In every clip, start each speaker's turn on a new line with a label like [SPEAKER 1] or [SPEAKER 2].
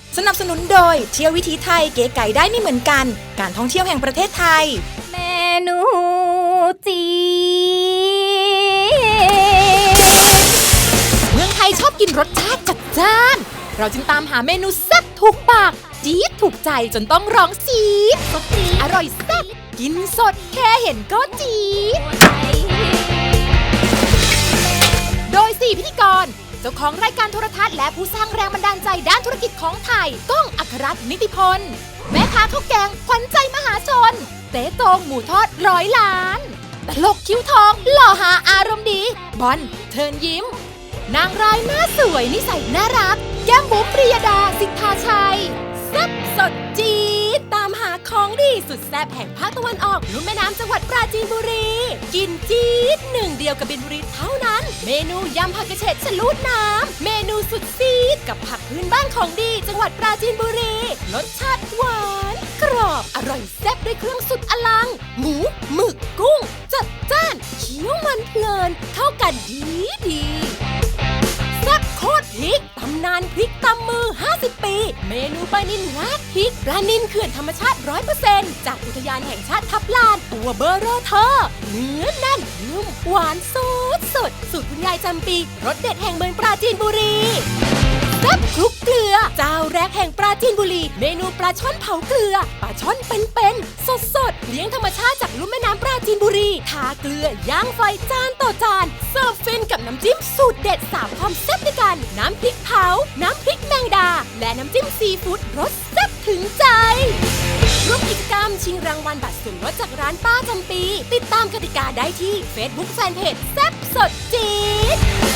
[SPEAKER 1] สนับสนุนโดยเที่ยววิถีไทยเก๋ไก่ได้ไม่เหมือนกันการท่องเที่ยวแห่งประเทศไทย
[SPEAKER 2] เมนูจี
[SPEAKER 1] เมืองไทยชอบกินรสชาติจัดจ้านเราจึงตามหาเมนูแซ่บถูกปากจี๊ดถูกใจจนต้องร้องซีดอร่อยแซ่บกินสดแค่เห็นก็จี๊ดโดย4พิธีกรเจ้าของรายการโทรทัศน์และผู้สร้างแรงบันดาลใจด้านธุรกิจของไทยก้องอัครรัตน์นิติพลแม่ค้าข้าวแกงขวัญใจมหาชนเต๊ตงหมูทอด100 ล้านตลกคิ้วทองหล่อหาอารมณ์ดีบอลเทิร์นยิ้มนางร้ายหน้าสวยนิสัยน่ารักแก้มบุ๋มปริยดาสิทธาชัยแซ่บสดจี๊ดตามหาของดีสุดแซ่บแห่งภาคตะวันออกลุ่มแม่น้ำจังหวัดปราจีนบุรีกินจี๊ดหนึ่งเดียวกับบินบุรีเท่านั้นเมนูยำผักกระเฉดฉลูดน้ำเมนูสุดซีดกับผักพื้นบ้านของดีจังหวัดปราจีนบุรีรสชาติหวานกรอบอร่อยแซ่บด้วยเครื่องสุดอลังหมูหมึกกุ้งจัดจ้านเคี้ยวมันเพลินเข้ากันดีแซ่บโคตรพริกตำนานพริกตำมือ50 ปีเมนูปลานิลราดพริกปลานิลเขื่อนธรรมชาติ 100% จากอุทยานแห่งชาติทับลานตัวเบอร์เรอเธอเนื้อแน่นนุ่มหวานสดสูตรคุณยายจำปีรสเด็ดแห่งเมืองปราจีนบุรีแซ่บคลุกเกลือเจ้าแรกแห่งปราจีนบุรีเมนูปลาช่อนเผาเกลือปลาช่อนเป็นๆสดเลี้ยงธรรมชาติจากลุ่มแม่น้ำปราจีนบุรีทาเกลือย่างไฟจานต่อจานเสิร์ฟฟินกับน้ำจิ้มสูตรเด็ด3ความแซ่บด้วยกันน้ำพริกเผาน้ำพริกแมงดาและน้ำจิ้มซีฟู้ดรสแซ่บถึงใจร่วมกิจกรรมชิงรางวัลบัตรส่วนลดจากร้านป้าจำปีติดตามกติกาได้ที่ Facebook Fanpage แซ่บสดจี๊ด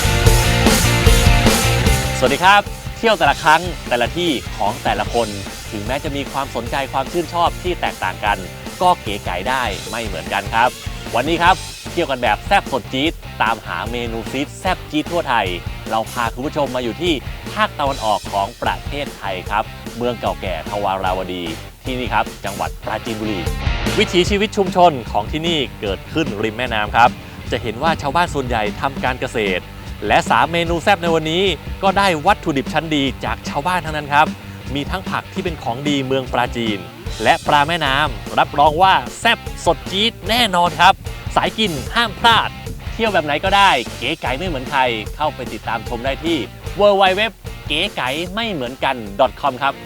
[SPEAKER 3] สวัสดีครับเที่ยวแต่ละครั้งแต่ละที่ของแต่ละคนถึงแม้จะมีความสนใจความชื่นชอบที่แตกต่างกันก็เก๋ไก๋ได้ไม่เหมือนกันครับวันนี้ครับเที่ยวกันแบบแซ่บสดจี๊ดตามหาเมนูซีดแซ่บจี๊ดทั่วไทยเราพาคุณผู้ชมมาอยู่ที่ภาคตะวันออกของประเทศไทยครับเมืองเก่าแก่ทวาราวดีที่นี่ครับจังหวัดปราจีนบุรีวิถีชีวิตชุมชนของที่นี่เกิดขึ้นริมแม่น้ำครับจะเห็นว่าชาวบ้านส่วนใหญ่ทำการเกษตรและ3เมนูแซ่บในวันนี้ก็ได้วัตถุดิบชั้นดีจากชาวบ้านทั้งนั้นครับมีทั้งผักที่เป็นของดีเมืองปราจีนและปลาแม่น้ำรับรองว่าแซ่บสดจี๊ดแน่นอนครับสายกินห้ามพลาดเที่ยวแบบไหนก็ได้เก๋ไก๋ไม่เหมือนใครเข้าไปติดตามชมได้ที่ www เก๋ไก๋ไม่เหมือนกัน .com ครับ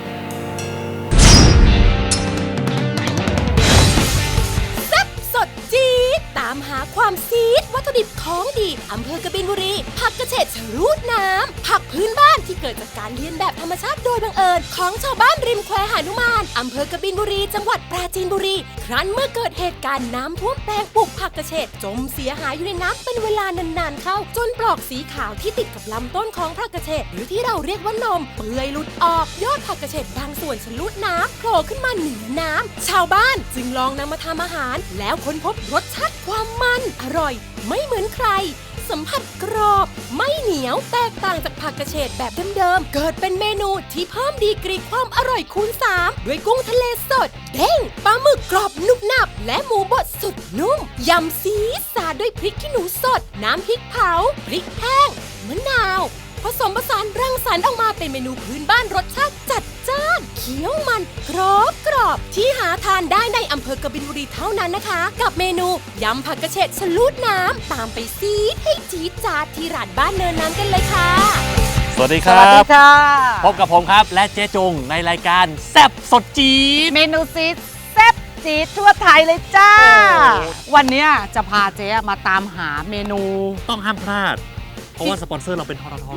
[SPEAKER 1] สดจี๊ดตามหาความซีดวัตถุดิบของดีอำเภอกบินบุรีผักกระเฉดฉลูดน้ำผักพื้นบ้านที่เกิดจากการเลียนแบบธรรมชาติโดยบังเอิญของชาวบ้านริมแควหนุมานอำเภอกบินบุรีจังหวัดปราจีนบุรีครั้นเมื่อเกิดเหตุการณ์น้ำท่วมแปลงปลูกผักกระเฉดจมเสียหายอยู่ในน้ำเป็นเวลานานๆเข้าจนปลอกสีขาวที่ติดกับลำต้นของผักกระเฉดหรือที่เราเรียกว่านมเปื่อยหลุดออกยอดผักกระเฉดบางส่วนฉลูดน้ำโผล่ขึ้นมาเหนือน้ำชาวบ้านจึงลองนำมาทำอาหารแล้วค้นพบรสชาติความมันอร่อยไม่เหมือนใครสัมผัสกรอบไม่เหนียวแตกต่างจากผักกระเฉดแบบเดิมๆเกิดเป็นเมนูที่เพิ่มดีกรีความอร่อยคูณ3ด้วยกุ้งทะเลสดเด้งปลาหมึกกรอบนุบหนับและหมูบดสุดนุ่มยำซีสาดด้วยพริกขี้หนูสดน้ำพริกเผาพริกแห้งมะนาวผสมผสานรังสรรค์ออกมาเป็นเมนูพื้นบ้านรสชาติจัดจ้านเคี้ยวมันกรอบที่หาทานได้ในอำเภอกบินบุรีเท่านั้นนะคะกับเมนูยำผักกระเฉดฉลูดน้ำตามไปซีดให้จี๊ดจ๊าดที่ร้านบ้านเนินน้ำกันเลยค่ะ
[SPEAKER 3] สวัสดีครับพบกับผมครับและเจ๊จงในรายการแซ่บสดจี๊ด
[SPEAKER 2] เมนูซีดแซ่บจี๊ดทั่วไทยเลยจ้าวันนี้จะพาเจ๊มาตามหาเมนู
[SPEAKER 3] ต้องห้ามพลาดเพราะว่าสปอนเซอร์เราเป็นททท.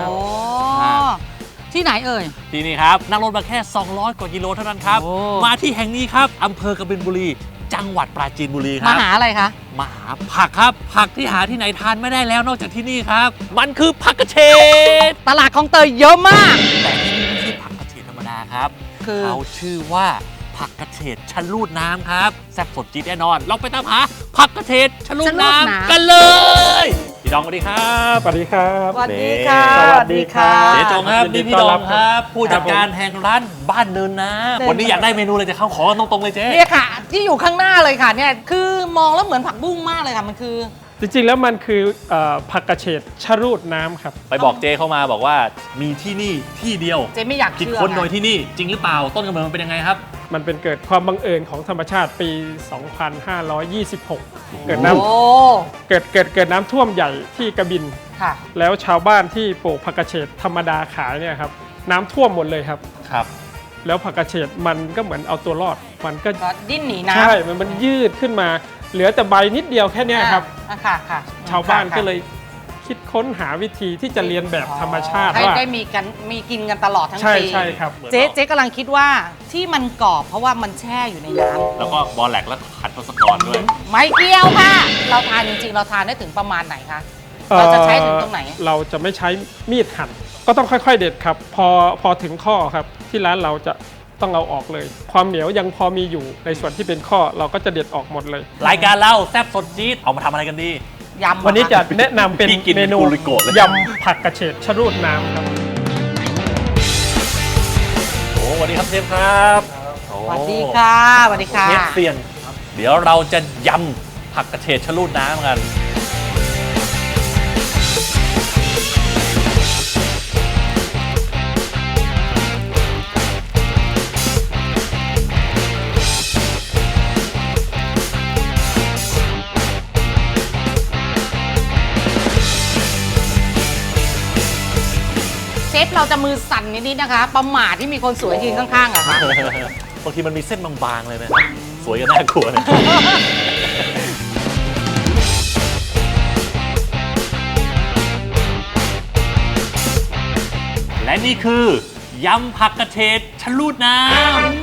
[SPEAKER 2] ที่ไหนเอ่ย
[SPEAKER 3] ที่นี่ครับนั่งรถมาแค่200 กว่ากิโลเท่านั้นครับมาที่แห่งนี้ครับอำเภอกบินบุรีจังหวัดปราจีนบุรีครับ
[SPEAKER 2] มาหาอะไรคะ
[SPEAKER 3] มาหาผักครับผักที่หาที่ไหนทานไม่ได้แล้วนอกจากที่นี่ครับมันคือผักกระเฉด
[SPEAKER 2] ตลาดของเตยเยอะมาก
[SPEAKER 3] แต่ที่นี่ไม่ใช่ผักกระเฉดธรรมดาครับเขาชื่อว่าผักกระเฉดฉลูดน้ำครับแซ่บสดจี๊ดแน่นอนเราไปตามหาผักกระเฉดฉลูดน้ำกันเลยพี่ดองสวัสดีครับ
[SPEAKER 4] สวัสดีครับ
[SPEAKER 2] สวัสดีค่ะ
[SPEAKER 4] สวัสดีครับ
[SPEAKER 3] เจ๊จงครับนี่พี่ดองครับผู้จัดการแห่งร้านบ้านเนินน้ำวันนี้อยากได้เมนูอะไรจะเข้าขอตรงๆเลยเจ๊
[SPEAKER 2] เนี่ยค่ะที่อยู่ข้างหน้าเลยค่ะเนี่ยคือมองแล้วเหมือนผักบุ้งมากเลยค่ะมันคือ
[SPEAKER 4] จริงๆแล้วมันคือผักกระเฉดชะรูดน้ำครับ
[SPEAKER 3] ไปบอกเจเข้ามาบอกว่ามีที่นี่ที่เดียว
[SPEAKER 2] เจ๊ไม่อยาก
[SPEAKER 3] คิด
[SPEAKER 2] เชื่อ
[SPEAKER 3] ค้นโดย
[SPEAKER 2] นะ
[SPEAKER 3] ที่นี่จริงหรือเปล่าต้นกำเนิดมันเป็นยังไงครับ
[SPEAKER 4] มันเป็นเกิดความบังเอิญของธรรมชาติปี 2526 เกิดน้
[SPEAKER 2] โอ้
[SPEAKER 4] ำเกิดน้ำท่วมใหญ่ที่กระบิน
[SPEAKER 2] ค่ะ
[SPEAKER 4] แล้วชาวบ้านที่ปลูกผักกระเฉดธรรมดาขายเนี่ยครับน้ำท่วมหมดเลยครับ
[SPEAKER 3] ครับ
[SPEAKER 4] แล้วผักกระเฉดมันก็เหมือนเอาตัวรอด มันก็
[SPEAKER 2] ก็ดิ้นหนีน้ำ
[SPEAKER 4] ใช่มันยืดขึ้นมา เหลือแต่ใบนิดเดียวแค่เนี้ยครับ
[SPEAKER 2] ค่ะค่ะ
[SPEAKER 4] ชาวบ้าน
[SPEAKER 2] ค่ะ
[SPEAKER 4] ก็เลยคิดค้นหาวิธีที่จะเรียนแบบธรรมชาติ
[SPEAKER 2] ให้
[SPEAKER 4] ว่า
[SPEAKER 2] ได้มีกินกันตลอดทั้ง
[SPEAKER 4] ใช่
[SPEAKER 2] ปี
[SPEAKER 4] ใช่ครับ
[SPEAKER 2] เจ๊กำลังคิดว่าที่มันกรอบเพราะว่ามันแช่อยู่ในน้ำ
[SPEAKER 3] แล้วก็บอลแหลกแล้วขัดทศกรด้วย
[SPEAKER 2] ไม่เกี่ยวค่ะ เราทานจริงๆ เราทานได้ถึงประมาณไหนคะ เราจะใช้ถึงตรงไหน
[SPEAKER 4] เราจะไม่ใช้มีดหั่น ก็ต้องค่อยๆเด็ดครับ พอถึงข้อครับ ที่ร้านเราจะต้องเอาออกเลย ความเหนียวยังพอมีอยู่ในส่วนที่เป็นข้อเราก็จะเด็ดออกหมดเลย
[SPEAKER 3] รายการเราแซ่บสดจี๊ดเอามาทำอะไรกันดี
[SPEAKER 2] ยำ
[SPEAKER 4] วันนี้จะแนะนำเป็น
[SPEAKER 3] พี่กิน
[SPEAKER 4] เมนู
[SPEAKER 3] กุริโกะเลย
[SPEAKER 4] ยำผักกระเฉดชะรูดน้ำครับ
[SPEAKER 3] โอ้สวัสดีครับเชฟครับโอ้
[SPEAKER 2] สวัสดีค่ะสวัสดีค่ะ
[SPEAKER 3] เชฟเซียน เดี๋ยวเราจะยำผักกระเฉดชะลูดน้ำกัน
[SPEAKER 2] เชฟเราจะมือสั่นนิดๆนะคะ ประหม่าที่มีคนสวยยืนข้างๆอะค่ะ
[SPEAKER 3] บางทีมันมีเส้นบางๆเลยนะ สวยกันน่ากลัวเลย และนี่คือยำผักกระเฉดชะลูดน้ำ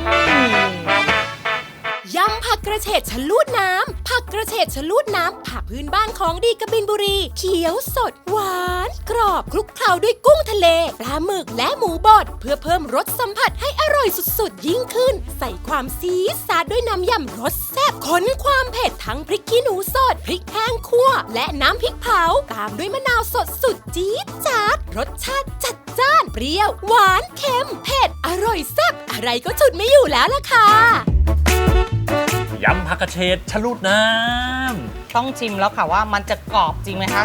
[SPEAKER 1] ยำผักกระเฉดชะลูดน้ำ ผักกระเฉดชะลูดน้ำผักพื้นบ้านของดีกบินบุรี เขียวสด หวาน กรอบคลุกเคล้าด้วยกุ้งทะเล ปลาหมึกและหมูบดเพื่อเพิ่มรสสัมผัสให้อร่อยสุดๆ ยิ่งขึ้น ใส่ความซีดซาดด้วยน้ำยำรสแซ่บขนความเผ็ดทั้งพริกขี้หนูสด พริกแห้งคั่ว และน้ำพริกเผา ตามด้วยมะนาวสดสุดจี๊ดจ๊าดรสชาติจัดจ้าน เปรี้ยว หวาน เค็ม เผ็ด อร่อยแซ่บอะไรก็ฉุดไม่อยู่แล้วล่ะค่ะ
[SPEAKER 3] ยำผักกระเฉดชะลูดน้ำ
[SPEAKER 2] ต้องชิมแล้วค่ะว่ามันจะกรอบจริงไหมคะ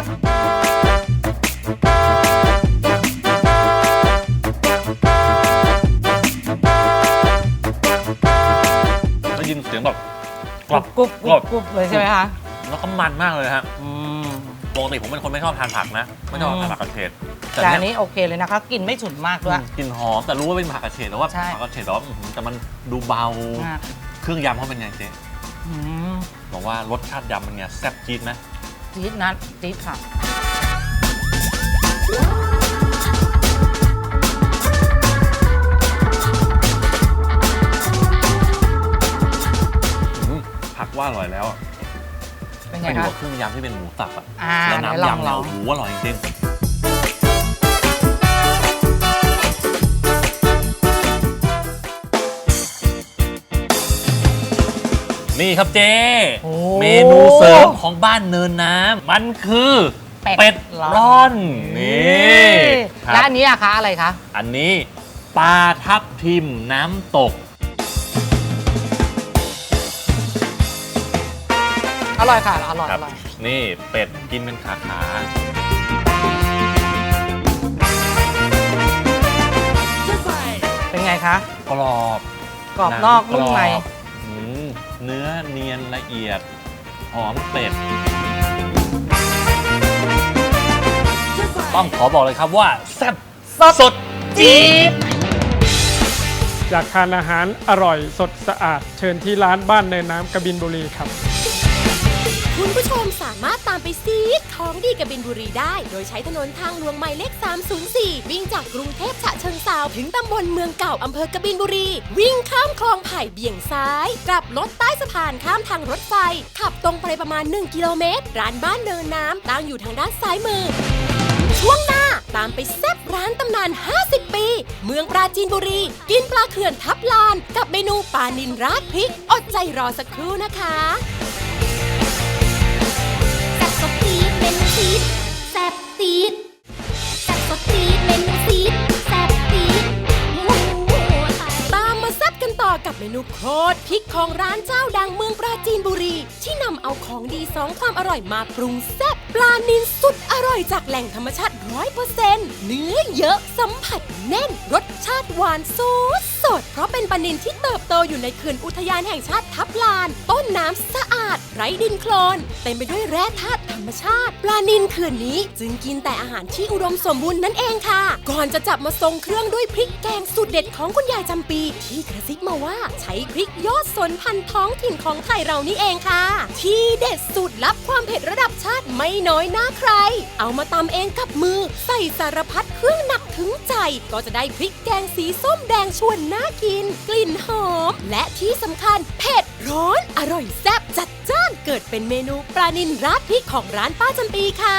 [SPEAKER 3] ได้ยินเสียงแบบกรอบ
[SPEAKER 2] กรุบกรุบกรุบเลยใช่ไหมคะ
[SPEAKER 3] แล้วก็มันมากเลยฮะ
[SPEAKER 2] อืม
[SPEAKER 3] ปกติผมเป็นคนไม่ชอบทานผักนะ ไม่ชอบทานผักกระเฉด
[SPEAKER 2] แต่อันนี้โอเคเลยนะคะกลิ่นไม่ฉุนมากด้วย
[SPEAKER 3] กลิ่นหอมแต่รู้ว่าเป็นผักกระเฉดแต่ว่า
[SPEAKER 2] ใช่
[SPEAKER 3] ผักกระเฉดแต่ว่าแต่มันดูเบา
[SPEAKER 2] อ่ะ
[SPEAKER 3] เครื่องยำเขาเป็นไงเจ๊
[SPEAKER 2] อืม
[SPEAKER 3] บอกว่ารสชาติยำมันไงแซ่บจี๊ดไหม
[SPEAKER 2] จี๊ดนะจี๊ดค่ะ
[SPEAKER 3] ผักว่าอร่อยแล้วอะ
[SPEAKER 2] เป็นไง
[SPEAKER 3] ไปอยู่
[SPEAKER 2] คะ
[SPEAKER 3] กับเครื่องยำที่เป็นหมูสับอะ
[SPEAKER 2] อ่า
[SPEAKER 3] แล้ว
[SPEAKER 2] ไหน
[SPEAKER 3] น้ำ
[SPEAKER 2] ลอง
[SPEAKER 3] ยำเนี่ย
[SPEAKER 2] ลอง
[SPEAKER 3] โอ้โหอร่อยจริงนี่ครับเจ๊
[SPEAKER 2] โอ้
[SPEAKER 3] เมนูเสริมของบ้านเนินน้ำมันคือเป็ดร่อนนี่ค
[SPEAKER 2] และ
[SPEAKER 3] รับ
[SPEAKER 2] อันนี้อะคะอะไรคะ
[SPEAKER 3] อันนี้ปลาทับทิมน้ำตก
[SPEAKER 2] อร่อยค่ะ อร่อย
[SPEAKER 3] ครั
[SPEAKER 2] อบ ร่อย
[SPEAKER 3] นี่เป็ดกินเป็นขาขา
[SPEAKER 2] เป็นไงคะ
[SPEAKER 3] กรอบ
[SPEAKER 2] กรอบนอกนุ่มใน
[SPEAKER 3] รอบอืมเนื้อเนียนละเอียด หอมเป็ด ต้องขอบอกเลยครับว่าแซ่บสดจี๊ด
[SPEAKER 4] อยากทานอาหารอร่อยสดสะอาด เชิญที่ร้านบ้านเนินน้ำกบินบุรีครับ
[SPEAKER 1] คุณผู้ชมสามารถตามไปซีดของดีกบินบุรีได้ โดยใช้ถนนทางหลวงหมายเลข 304 วิ่งจากกรุงเทพฉะเชิงเทราถึงตำบลเมืองเก่าอำเภอกบินบุรี วิ่งข้ามคลองไผ่เบี่ยงซ้าย กลับรถใต้สะพานข้ามทางรถไฟ ขับตรงไปประมาณ 1 กิโลเมตร ร้านบ้านเนินน้ำตั้งอยู่ทางด้านซ้ายมือ ช่วงหน้าตามไปแซ่บร้านตำนาน 50 ปี เมืองปราจีนบุรี กินปลาเขื่อนทับลาน กับเมนูปลานิลราดพริก อดใจรอสักครู่นะคะแซ่บสดตีดเมนูซีดแซ่บตีดแซ่บสดตีดเมนูซีดแซ่บตีดตามมาแซ่บกันต่อกับเมนูโคตรพริกของร้านเจ้าดังเมืองปราจีนบุรี ที่นำเอาของดีสองความอร่อยมาปรุงแซ่บปลานิลสุดอร่อยจากแหล่งธรรมชาติ 100% เนื้อเยอะสัมผัสแน่นรสชาติหวานสดเพราะเป็นปลานิลที่เติบโตอยู่ในเขื่อนอุทยานแห่งชาติทับลาน ต้นน้ำสะอาดไร้ดินโคลนเต็มไปด้วยแร่ธาตุธรรมชาติปลานิลเขื่อนนี้จึงกินแต่อาหารที่อุดมสมบูรณ์นั่นเองค่ะก่อนจะจับมาทรงเครื่องด้วยพริกแกงสูตรเด็ดของคุณยายจำปีที่กระซิบมาว่าใช้พริกยอดสนพันธุ์ท้องถิ่นของไทยเรานี่เองค่ะที่เด็ดสูตรลับความเผ็ดระดับชาติไม่น้อยหน้าใครเอามาตำเองกับมือใส่สารพัดเครื่องหนักถึงใจก็จะได้พริกแกงสีส้มแดงชวนน่ากินกลิ่นหอมและที่สำคัญเผ็ดร้อนอร่อยแซ่บจัดจ้านเกิดเป็นเมนูปลานิลราดพริกของร้านป้าจำปีค่ะ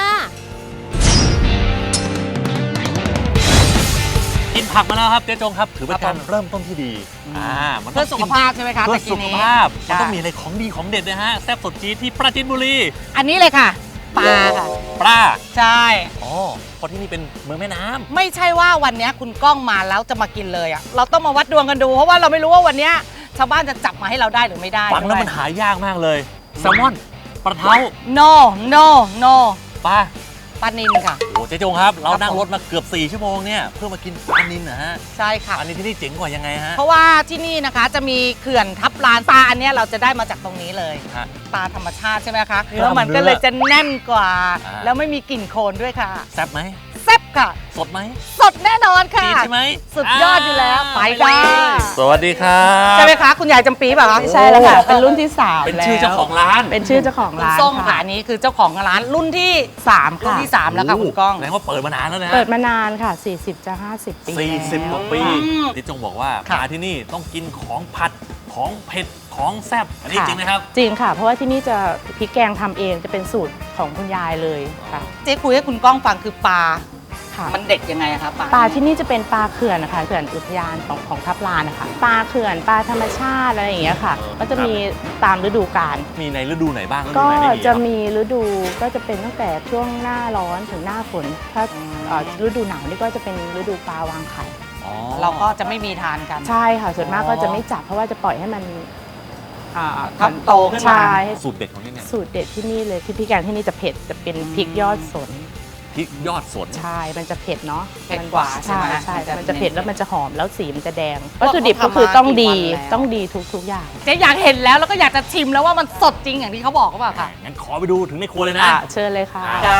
[SPEAKER 3] กินผักมาแล้วครับเจ๊จงครับถือเป็นการเริ่มต้นที่ดีมัน
[SPEAKER 2] เพื่อสุขภาพใช่ไหมคะ
[SPEAKER 3] เพื่อ
[SPEAKER 2] ตะกี้
[SPEAKER 3] สุข
[SPEAKER 2] นี้
[SPEAKER 3] ภาพมันต้อง
[SPEAKER 2] ค่ะ
[SPEAKER 3] มีอะไรของดีของเด็ดนะฮะแซ่บสดจี๊ดที่ปราจีนบุรี
[SPEAKER 2] อันนี้เลยค่ะปลาค่ะ
[SPEAKER 3] ปลา
[SPEAKER 2] ใช่
[SPEAKER 3] อ๋อเพราะที่นี่เป็นเมืองแม่น้ำ
[SPEAKER 2] ไม่ใช่ว่าวันนี้คุณก้องมาแล้วจะมากินเลยอ่ะเราต้องมาวัดดวงกันดูเพราะว่าเราไม่รู้ว่าวันนี้ชาวบ้านจะจับมาให้เราได้หรือไม่ได้
[SPEAKER 3] ฟังแล้วมันหายากมากเลยแซลมอนปลาเท้า
[SPEAKER 2] no
[SPEAKER 3] ปลา
[SPEAKER 2] ปลานิลค่ะ
[SPEAKER 3] โอ้เจ๊จงครับเรา
[SPEAKER 2] ครับ
[SPEAKER 3] นั่ง
[SPEAKER 2] ผม
[SPEAKER 3] รถมาเกือบ4ชั่วโมงเนี่ยเพื่อมากินปลานิลนะฮะ
[SPEAKER 2] ใช่ค่ะ
[SPEAKER 3] อันนี้ที่นี่เจ๋งกว่ายังไงฮะ
[SPEAKER 2] เพราะว่าที่นี่นะคะจะมีเขื่อนทับลานปลาอันเนี้ยเราจะได้มาจากตรงนี้เลย
[SPEAKER 3] ฮะ
[SPEAKER 2] ปลาธรรมชาติใช่ไหมคะ
[SPEAKER 3] เนื้อ
[SPEAKER 2] แล้วมันก็เลยจะแน่นกว่า
[SPEAKER 3] อ่า
[SPEAKER 2] แล้วไม่มีกลิ่นโคลนด้วยค่ะ
[SPEAKER 3] แซ่บไหม
[SPEAKER 2] แซ่บค่ะ
[SPEAKER 3] สดไหม
[SPEAKER 2] สดแน่นอนค่ะ
[SPEAKER 3] จีนใช่ไหม
[SPEAKER 2] สุดยอดอยู่แล้วไปได้
[SPEAKER 3] สวัสดีครับ
[SPEAKER 2] ใช่ไหมคะคุณยายจำปีป่ะคะ
[SPEAKER 5] ใช่แล้วค่ะ เป็นรุ่นที่3
[SPEAKER 3] เป็นชื่อเจ้าของร้าน
[SPEAKER 5] เป็นชื่อเจ้าของ
[SPEAKER 2] คุณ
[SPEAKER 5] ร้าน
[SPEAKER 2] ส้มค่ะ
[SPEAKER 5] ค่ะ
[SPEAKER 2] อันนี้คือเจ้าของร้านรุ่นที่
[SPEAKER 5] 3
[SPEAKER 2] รุ่น
[SPEAKER 5] ค่ะ
[SPEAKER 2] ที่ 3 แล้วค่ะคุณก้อง
[SPEAKER 3] แสดงว่าเปิดมานานแล้วนะฮะ
[SPEAKER 5] เปิดมานานค่ะ 40 จะ 50 ปี
[SPEAKER 3] 40 กว่าปี
[SPEAKER 2] อืม
[SPEAKER 3] ที่จงบอกว่า
[SPEAKER 2] ค่ะ
[SPEAKER 3] มาที่นี่ต้องกินของผัดของเผ็ดของแซ่บอันนี้
[SPEAKER 5] ค่ะ
[SPEAKER 3] จริงไหมครับ
[SPEAKER 5] จริงค่ะ เพราะว่าที่นี่จะพริกแกงทำเองจะเป็นสูตรของคุณยายเลยค่ะ
[SPEAKER 2] เจ๊คุยให้คุณก้องฟังคือปลา
[SPEAKER 5] ค่ะ
[SPEAKER 2] มันเด็ดยังไงอะคะปลา
[SPEAKER 5] ปลาที่นี่จะเป็นปลาเขื่อนนะคะเขื่อนอุทยานของทับลานนะคะปลาเขื่อนปลาธรรมชาติอะไรอย่างเงี้ยค่ะ ก็จะมีตามฤดูกาล
[SPEAKER 3] มีในฤดูไหนบ้างฤดู
[SPEAKER 5] ก็
[SPEAKER 3] ไหนไม่มี
[SPEAKER 5] จะ
[SPEAKER 3] ครับ
[SPEAKER 5] มีฤดูก็จะเป็นตั้งแต่ช่วงหน้าร้อนถึงหน้าฝนถ้าฤดูหนาวนี่ก็จะเป็นฤดูปลาวางไข่
[SPEAKER 3] อ๋อ
[SPEAKER 2] เราก็จะไม่มีทานกัน
[SPEAKER 5] ใช่ค่ะ ส่วนมากก็จะไม่จับเพราะว่าจะปล่อยให้มัน
[SPEAKER 2] ทับโตขึ้นมา
[SPEAKER 5] ใช่
[SPEAKER 3] สูตรเด็ดของที่เนี่ย
[SPEAKER 5] สูตรเด็ดที่นี่เลยที่พริกแกงที่นี่จะเผ็ดจะเป็นพริกยอดสน
[SPEAKER 3] พริกยอดสน
[SPEAKER 5] ใช่มันจะเผ็ดเนาะ
[SPEAKER 2] เผ็ดกว่าใช่
[SPEAKER 5] ใช่
[SPEAKER 2] ไหม
[SPEAKER 5] ใช่
[SPEAKER 2] มันจะ
[SPEAKER 5] มันจะเผ็ดแล้วมันจะหอมแล้วสีมันจะแดง
[SPEAKER 2] เพราะ
[SPEAKER 5] วัตถุดิบ
[SPEAKER 2] เขา
[SPEAKER 5] ก็คือ
[SPEAKER 2] ทำมา
[SPEAKER 5] ต้องดี
[SPEAKER 2] กี่วันแล้ว
[SPEAKER 5] ต้องดีทุกอย่าง
[SPEAKER 2] เจ๊อยากเห็นแล้วแล้วก็อยากจะชิมแล้วว่ามันสดจริงอย่างที่เขาบอกหรือเปล่าค่ะ
[SPEAKER 3] งั้นขอไปดูถึงในครัวเลยนะ
[SPEAKER 5] เชิญเลยค่ะ
[SPEAKER 2] จ้า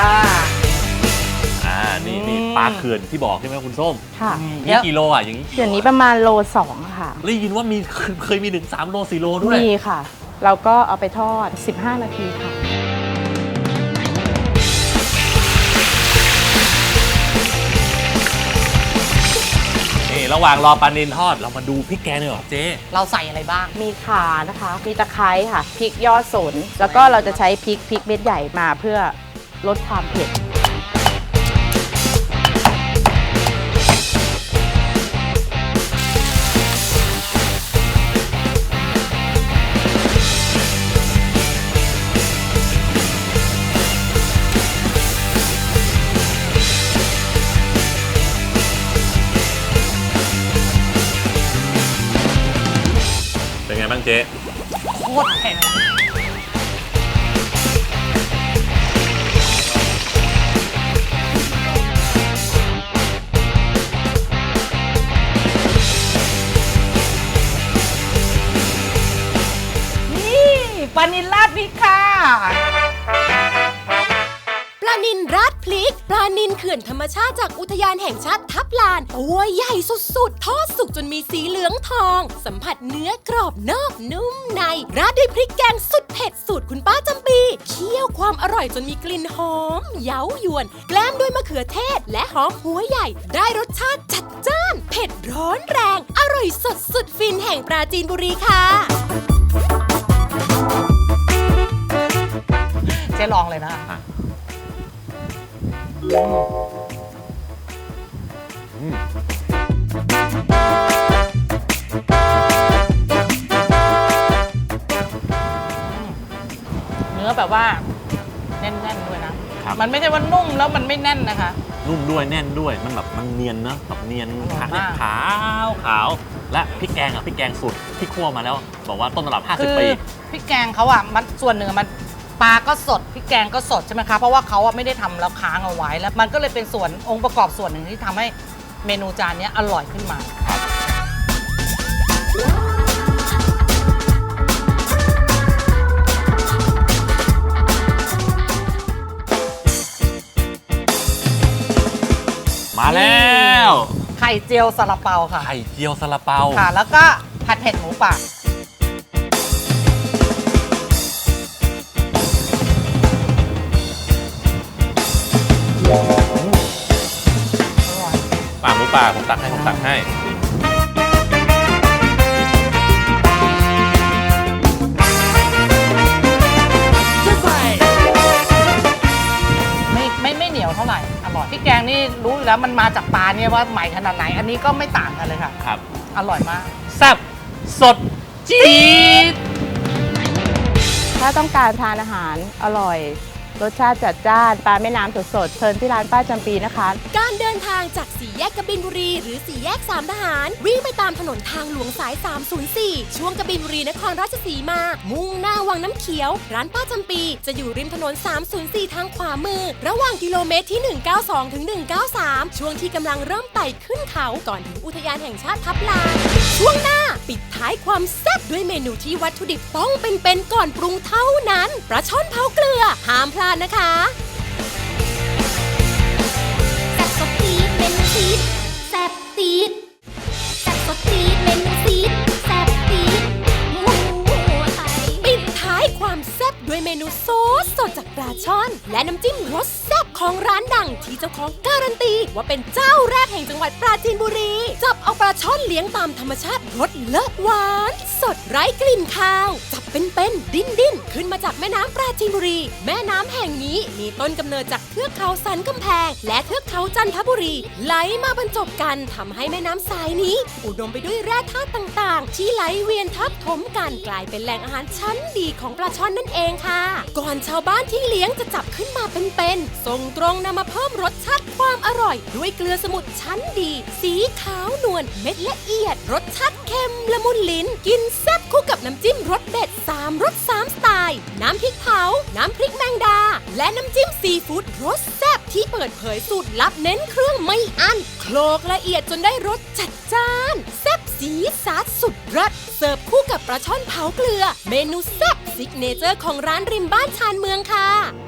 [SPEAKER 3] นี่
[SPEAKER 2] อืม
[SPEAKER 3] ปลาเขื่อนที่บอกใช่ไหมคุณส้ม
[SPEAKER 5] ค่ะ
[SPEAKER 3] นี่กิโลอ่ะอย่างนี้
[SPEAKER 5] เดี๋ยวนี้ประมาณโล 2 ค่ะ
[SPEAKER 3] ได้ยินว่ามีเคยมีถึง3โล4โลด้วย
[SPEAKER 5] มีค่ะ เราก็เอาไปทอด 15 นาทีค่ะ
[SPEAKER 3] นี่ระหว่างรอปลานิลทอดเรามาดูพริกแกงเลยเหรอเจ๊
[SPEAKER 2] เราใส่อะไรบ้าง
[SPEAKER 5] มีข่านะคะ มีตะไคร้ค่ะ พริกยอดสน แล้วก็เราจะใช้พริกเม็ดใหญ่มาเพื่อลดความเผ็ด
[SPEAKER 3] เป็นไงบ้างเจ๊
[SPEAKER 2] โคตรเผ็ดนี่ปลานิลราดพริกค่ะ
[SPEAKER 1] ปลานิลราดพริก ปลานิลเขื่อนธรรมชาติจากอุทยานแห่งชาติทับลาน ตัวใหญ่สุดๆ ทอดสุกจนมีสีเหลืองทอง สัมผัสเนื้อกรอบนอกนุ่มใน ราดด้วยพริกแกงสุดเผ็ดสูตรคุณป้าจำปีเคี่ยวความอร่อยจนมีกลิ่นหอม เย้ายวน แกล้มด้วยมะเขือเทศ และหอมหัวใหญ่ ได้รสชาติจัดจ้าน เผ็ดร้อนแรง อร่อยสดสุดฟินแห่งปราจีนบุรีค่ะ
[SPEAKER 2] เจ๊ลองเลยนะ เนื้อแบบว่าแน่นๆด้วยนะ
[SPEAKER 3] ครับ
[SPEAKER 2] มันไม่ใช่ว่านุ่มแล้วมันไม่แน่นนะคะ
[SPEAKER 3] นนุ่มด้วยแน่นด้วยมันแบบมันเนียนเนอะแบบเนียน
[SPEAKER 2] อร่อยมาก
[SPEAKER 3] ขาวและพริกแกงอ่ะพริกแกงสูตรที่คั่วมาแล้วบอกว่าต้นตำรับ
[SPEAKER 2] คือ
[SPEAKER 3] 50 ปี
[SPEAKER 2] พริกแกงเขาอะมันส่วนหนึ่งอะมันปลาก็สดพริกแกงก็สดใช่ไหมคะเพราะว่าเขาอะไม่ได้ทำแล้วค้างเอาไว้แล้วมันก็เลยเป็นส่วนองค์ประกอบส่วนหนึ่งที่ทำให้เมนูจานนี้อร่อยขึ้นมา
[SPEAKER 3] มาแล้ว
[SPEAKER 2] ไข่เจียวซาลาเปาค่ะ
[SPEAKER 3] ไข่เจียวซาลาเปา
[SPEAKER 2] ค่ะ แล้วก็ผัดเผ็ดหมูป่าอร่อย
[SPEAKER 3] หมูป่าผมตักให้
[SPEAKER 2] ไม่เหนียวเท่าไหร่อร่อยพริกแกงนี่รู้อยู่แล้วมันมาจากปลาเนี่ยว่าใหม่ขนาดไหน อันนี้ก็ไม่ต่างกันเลยค่ะ
[SPEAKER 3] ครับ
[SPEAKER 2] อร่อยมาก
[SPEAKER 3] แซ่บสดจี๊ด
[SPEAKER 5] ถ้าต้องการทานอาหารอร่อย รสชาติจัดจ้านปลาแม่น้ำสดๆเชิญที่ร้านป้าจำปีนะคะ
[SPEAKER 1] การเดินทางจากสี่แยกกบินบุรีหรือสี่แยกสามทหาร วิ่งไปตามถนนทางหลวงสาย 304 ช่วงกบินบุรีนครราชสีมา มุ่งหน้าวังน้ำเขียว ร้านป้าจำปีจะอยู่ริมถนน 304 ทางขวามือ ระหว่างกิโลเมตรที่ 192 ถึง 193 ช่วงที่กำลังเริ่มไต่ขึ้นเขาก่อนถึงอุทยานแห่งชาติทับลาน ช่วงหน้าปิดท้ายความแซ่บด้วยเมนูที่วัตถุดิบต้องเป็นๆก่อนปรุงเท่านั้นปลาช่อนเผาเกลือห้ามพลาดนะคะแซ่บสดตีดเมนูซีดแซ่บตีดแซ่บสดตีดเมนูซีดแซ่บตีดหมูไทยปิดท้ายความแซ่บด้วยเมนูซอสสดจากปลาช่อน และน้ำจิ้มรสแซ่บของร้านดังที่เจ้าของการันตีว่าเป็นเจ้าแรกแห่งจังหวัดปราจีนบุรีจับเอาปลาช่อนเลี้ยงตามธรรมชาติรสเลิศหวานสดไร้กลิ่นคาวจับเป็นดิ้นขึ้นมาจากแม่น้ำปราจีนบุรี แม่น้ำแห่งนี้มีต้นกำเนิดจากเทือกเขาสันกำแพง และเทือกเขาจันทบุรี ไหลมาบรรจบกันทำให้แม่น้ำสายนี้ อุดมไปด้วยแร่ธาตุต่างๆ ที่ไหลเวียนทับถมกันกลายเป็นแหล่งอาหารชั้นดีของปลาช่อนนั่นเองค่ะ ก่อนชาวบ้านที่เลี้ยงจะจับขึ้นมาเป็นๆส่งตรงนำมาเพิ่มรสชาติความอร่อย ด้วยเกลือสมุทรชั้นดี สีขาวนวลเม็ดละเอียด รสชาติเค็มละมุนลิ้นกินแซ่บคู่กับน้ำจิ้มรสเด็ด3รส3สไตล์น้ำพริกเผาน้ำพริกแมงดา และน้ำจิ้มซีฟู้ดรสแซ่บที่เปิดเผยสูตรลับเน้นเครื่องไม่อั้นโคลกละเอียดจนได้รสจัดจ้านแซ่บสีสัดสุดรสเสิร์ฟคู่กับปลาช่อนเผาเกลือเมนูแซ่บซิกเนเจอร์ของร้านริมบ้านชานเมืองค่ะ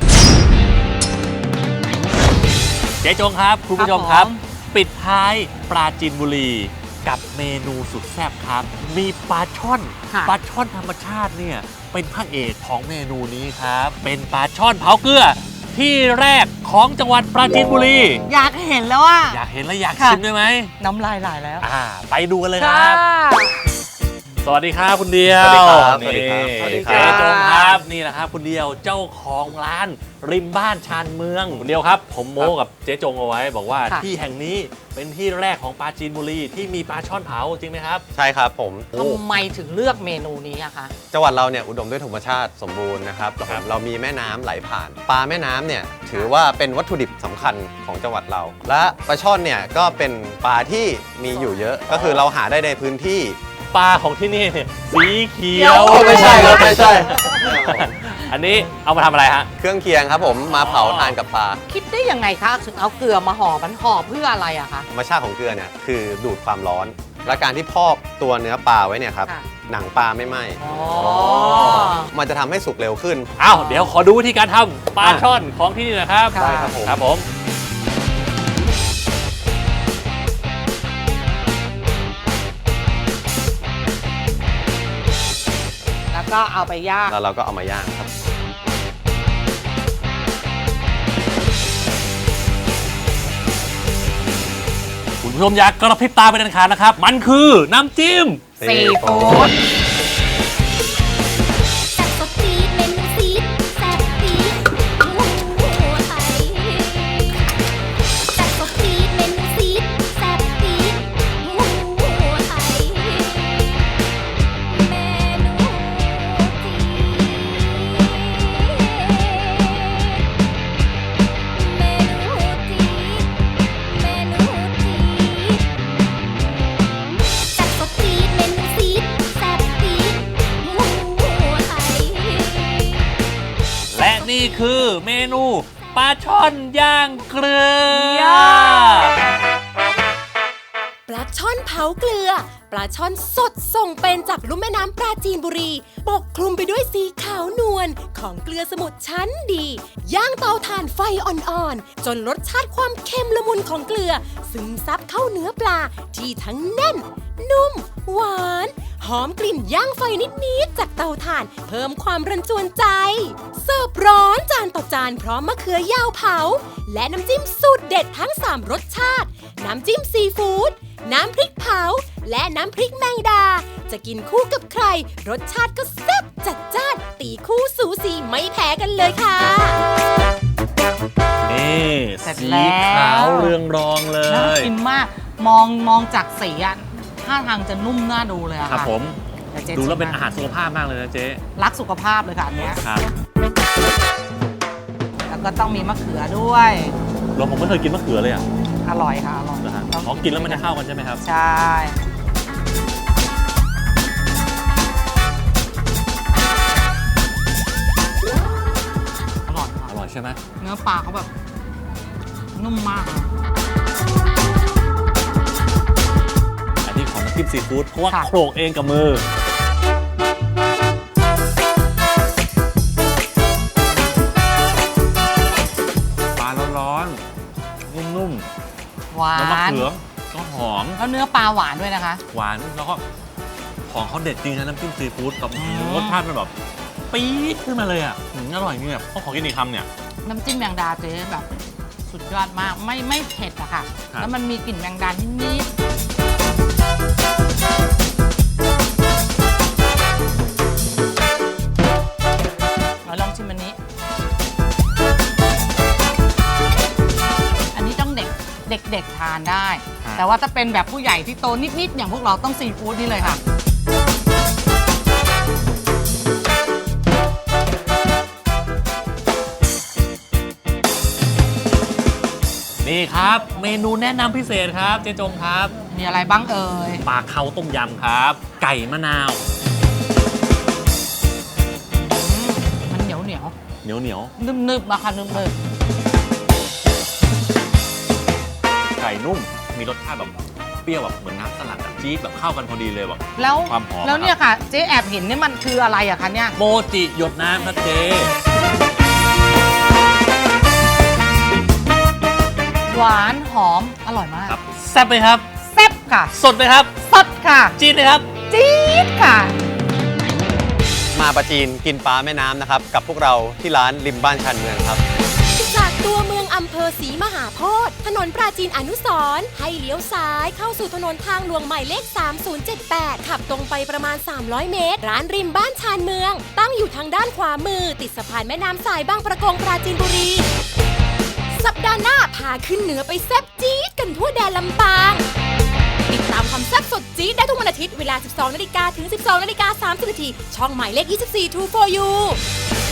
[SPEAKER 3] เจ๊จงครับคุณผู้ชมครับ
[SPEAKER 2] ผม
[SPEAKER 3] ปิดท้ายปราจีนบุรีกับเมนูสุดแซ่บครับ มีปลาช่อน
[SPEAKER 2] ค่ะ
[SPEAKER 3] ปลาช่อนธรรมชาติเนี่ยเป็นพระเอกของเมนูนี้ครับ เป็นปลาช่อนเผาเกลือ ที่แรกของจังหวัดปราจีนบุรี
[SPEAKER 2] อยากเห็นแล้วว่า
[SPEAKER 3] อยากเห็นและอยาก
[SPEAKER 2] ค่ะ
[SPEAKER 3] ชิมได้ไหม
[SPEAKER 2] น้ำลายไหลแล้ว
[SPEAKER 3] ไปดูกันเลยครับ สวัสดีครับคุณเดียว
[SPEAKER 6] สวัสดีครับ
[SPEAKER 3] นี่
[SPEAKER 6] สวัสดีครับ
[SPEAKER 3] เจ๊จงครับนี่แหละครับคุณเดียวเจ้าของร้านริมบ้านชานเมืองคุณเดียวครับ ผมโม้กับเจ๊จงเอาไว้ บอกว่า
[SPEAKER 2] ค่ะ
[SPEAKER 3] ที่แห่งนี้เป็นที่แรกของปราจีนบุรีที่มีปลาช่อนเผาจริงไหมครับ
[SPEAKER 6] ใช่ครับผม
[SPEAKER 2] ทำไมถึงเลือกเมนูนี้อะคะ
[SPEAKER 6] จังหวัดเราเนี่ยอุดมด้วยธรรมชาติสมบูรณ์นะครับ
[SPEAKER 3] ครับ
[SPEAKER 6] เรามีแม่น้ำไหลผ่าน ปลาแม่น้ำเนี่ยถือว่าเป็นวัตถุดิบสำคัญของจังหวัดเรา และปลาช่อนเนี่ยก็เป็นปลาที่มีอยู่เยอะ ก็คือเราหาได้ในพื้นที่
[SPEAKER 3] ปลาของที่นี่เนี่ยสีเขียว
[SPEAKER 6] โอ้ไม่ใช่ครับไม่ใช่
[SPEAKER 3] อันนี้เอามาทำอะไรฮะ
[SPEAKER 6] เครื่องเคียงครับผมมาเผาทานกับปลา
[SPEAKER 2] คิดได้ยังไงคะถึงเอาเกลือมาห่อมันห่อเพื่ออะไรอะคะ
[SPEAKER 6] ธรรมชาติของเกลือเนี่ยคือดูดความร้อน และการที่พอกตัวเนื้อปลาไว้เนี่ยครับ
[SPEAKER 2] ค่ะ
[SPEAKER 6] หนังปลาไม่ไหม้
[SPEAKER 2] อ๋อ
[SPEAKER 6] มันจะทำให้สุกเร็วขึ้น
[SPEAKER 3] อ้าวเดี๋ยวขอดูวิธีการทำปลาช่อนของที่นี่นะครับ
[SPEAKER 2] ได้ครับผม
[SPEAKER 3] ครับผม
[SPEAKER 2] แล้วก็เอาไปย่าง
[SPEAKER 6] แล้วเราก็เอามาย่างครับ
[SPEAKER 3] คุณผู้ชมอยากกระพริบตาไปเด็ดขาดนะครับ มันคือน้ำจิ้ม
[SPEAKER 2] ซีฟู้ด
[SPEAKER 1] แซ่บสดซีดเมนูซีดแซ่บซีดหมูไทยแซ่บสดซีดเมนูซีดแซ่บซีดหมูไทยเมนูซีดเมนูซีด
[SPEAKER 3] นี่คือเมนูปลาช่อนย่างเกลือ
[SPEAKER 1] ปลาช่อนเผาเกลือ ปลาช่อนสดส่งเป็นจากลุ่มแม่น้ำปราจีนบุรี ปกคลุมไปด้วยสีขาวนวลของเกลือสมุทรชั้นดี ย่างเตาถ่านไฟอ่อนๆ จนรสชาติความเค็มละมุนของเกลือ ซึมซับเข้าเนื้อปลาที่ทั้งแน่น นุ่ม หวาน หอมกลิ่นย่างไฟนิดๆจากเตาถ่าน เพิ่มความรันจวนใจ เสิร์ฟร้อนจานต่อจานพร้อมมะเขือยาวเผา และน้ำจิ้มสูตรเด็ดทั้ง 3 รสชาติ น้ำจิ้มซีฟู้ด น้ำพริกเผา และน้ำพริกแมงดา จะกินคู่กับใคร รสชาติก็แซ่บจัดจ้าน ตีคู่สูสีไม่แพ้กันเลยค่ะ
[SPEAKER 3] นี่
[SPEAKER 2] เสร็จ
[SPEAKER 3] สี
[SPEAKER 2] แล้ว
[SPEAKER 3] ขาวเรืองรองเล
[SPEAKER 2] น่าย กินมากมองจากสีอะท่าทางจะนุ่มน่าดูเลยอะ
[SPEAKER 3] ครับ
[SPEAKER 2] ค่ะ
[SPEAKER 3] ผม
[SPEAKER 2] เยวจ๊
[SPEAKER 3] ดูแล้วเป็น
[SPEAKER 2] ชิม
[SPEAKER 3] อาหารสุขภาพมากเลยนะเจ๊
[SPEAKER 2] รักสุขภาพเลยค่ะอันเนี้ย
[SPEAKER 3] ครับ
[SPEAKER 2] แล้วก็ต้องมีมะเขือด้วย
[SPEAKER 3] ผมไม่เคยกินมะเขือเลยอ่ะ
[SPEAKER 2] อร่อยค่ะอร่อย
[SPEAKER 3] นะฮะ
[SPEAKER 2] ต้อง
[SPEAKER 3] อ๋อกินแล้วมันจะเข้ากันใช่ไหมครับ
[SPEAKER 2] ใช่ อร่อยค่ะ
[SPEAKER 3] อร่อยใช่ไหม
[SPEAKER 2] เนื้อปลาเขาแบบนุ่มมากอะ
[SPEAKER 3] อันนี้ของน้ำจิ้มซีฟู้ดเพราะว่า
[SPEAKER 2] ค่ะ
[SPEAKER 3] โขลกเองกับมือ ปลาร้อนๆนุ่ม
[SPEAKER 2] หวา
[SPEAKER 3] ๆแล้วมะ
[SPEAKER 2] น
[SPEAKER 3] เขือก็หอม
[SPEAKER 2] แล้วเนื้อปลาหวานด้วยนะคะ
[SPEAKER 3] หวานแล้วก็ของเขาเด็ดจริงนะน้ำจิ้มซีฟู้ดกับ
[SPEAKER 2] อืม
[SPEAKER 3] รสชาติมันแบบปี๊ดขึ้นมาเลยอ่ะอร่อยจริงแบบขอกินอีกคำเนี่ย
[SPEAKER 2] น้ำจิ้มแมงดาเจ๊แบบสุดยอดมากไม่เผ็ดอะค่ะ
[SPEAKER 3] ครับ
[SPEAKER 2] แล้วมันมีกลิ่นแมงดานิดๆเราลองชิมอันนี้ อันนี้ต้องเด็กทานได้ แต่ว่าถ้าเป็นแบบผู้ใหญ่ที่โตนิดๆอย่างพวกเราต้องซีฟู้ดนี่เลยค่ะ
[SPEAKER 3] นี่ครับ เมนูแนะนำพิเศษครับเจ๊จงครับ
[SPEAKER 2] มีอะไรบ้างเอ่ย
[SPEAKER 3] ปลาเค้าต้มยำครับ ไก่มะนาว
[SPEAKER 2] มันเหนียว
[SPEAKER 3] เหนียว
[SPEAKER 2] นึบๆมาค่ะนึบ
[SPEAKER 3] ไก่นุ่มมีรสชาติแบบเปรี้ยวแบบเหมือนน้ำสลัดอะจี๊ดแบบเข้ากันพอดีเลยแบบ
[SPEAKER 2] ๆแล้ว
[SPEAKER 3] ความหอม
[SPEAKER 2] แล้วเนี่ยค่ะ เจ๊แอบเห็นนี่มันคืออะไรอะคะเนี่ย
[SPEAKER 3] โมจิหยดน้ำครับเจ๊
[SPEAKER 2] หวานหอมอร่อยมาก
[SPEAKER 3] ครับแซ่บไหมครับ
[SPEAKER 2] แซ่บค่ะ
[SPEAKER 3] สดไหมครับ
[SPEAKER 2] สดค่ะ
[SPEAKER 3] จี๊ดไหมครับ
[SPEAKER 2] จี๊ดค่ะ
[SPEAKER 6] มาปราจีนกินปลาแม่น้ำนะครับ กับพวกเราที่ร้านริมบ้านชานเมืองครับ
[SPEAKER 1] จากตัวเมืองอำเภอศรีมหาโพธิ์ถนนปราจีนอนุสรณ์ให้เลี้ยวซ้ายเข้าสู่ถนนทางหลวงหมายเลข 3078 ขับตรงไปประมาณ 300 เมตร ร้านริมบ้านชานเมือง ตั้งอยู่ทางด้านขวามือ ติดสะพานแม่น้ำสายบางประกงปราจีนบุรี สัปดาห์หน้าพาขึ้นเหนือไปแซ่บจี๊ดกันทั่วแดนลำปาง ติดตามความแซ่บสดจี๊ดได้ทุกวันอาทิตย์เวลา 12 นาฬิกาถึง 12 นาฬิกา 30 นาทีช่องหมายเลข 24 True for You